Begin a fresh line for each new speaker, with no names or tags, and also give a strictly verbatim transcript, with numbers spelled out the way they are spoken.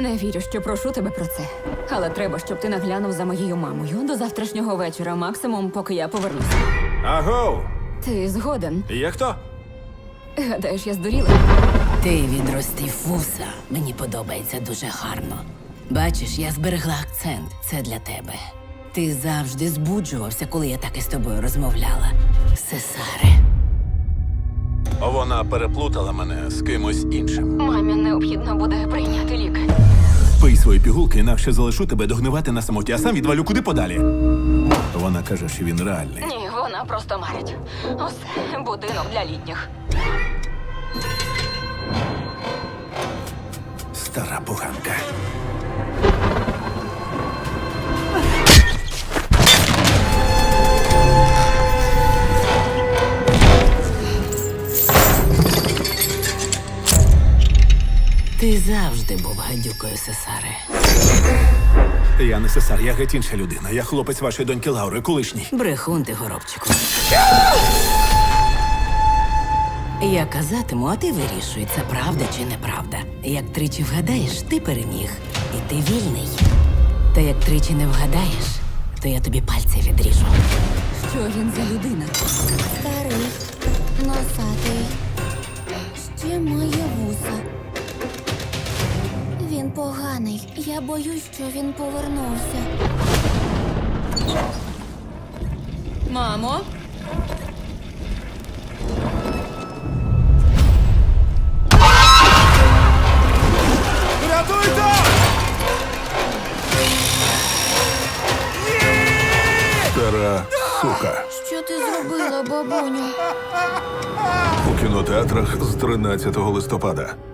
Не вірю, що прошу тебе про це. Але треба, щоб ти наглянув за моєю мамою до завтрашнього вечора, максимум, поки я повернуся.
Агоу!
Ти згоден?
Є хто?
Гадаєш, я здуріла?
Ти відростив вуса. Мені подобається дуже гарно. Бачиш, я зберегла акцент. Це для тебе. Ти завжди збуджувався, коли я так із тобою розмовляла. Сесаре.
Вона переплутала мене з кимось іншим.
Мамі необхідно буде прийняти ліки.
Пий свої пігулки, інакше залишу тебе догнивати на самоті, а сам відвалю куди подалі. Вона каже, що він реальний.
Ні, вона просто марить. Усе, будинок для літніх.
Стара поганка.
Ти завжди був гадюкою, Сесаре.
Я не сесар, я геть інша людина. Я хлопець вашої доньки Лаури, колишній.
Брехун ти, горобчику. Я казатиму, а ти вирішуй, це правда чи неправда. Як тричі вгадаєш, ти переміг. І ти вільний. Та як тричі не вгадаєш, то я тобі пальці відріжу.
Що він за людина?
Старий, носатий, ще має вуса. Він поганий. Я боюсь, що він повернувся.
Мамо?
Рятуйте! Стара сука.
Що ти зробила, бабуню?
У кінотеатрах з тринадцятого листопада.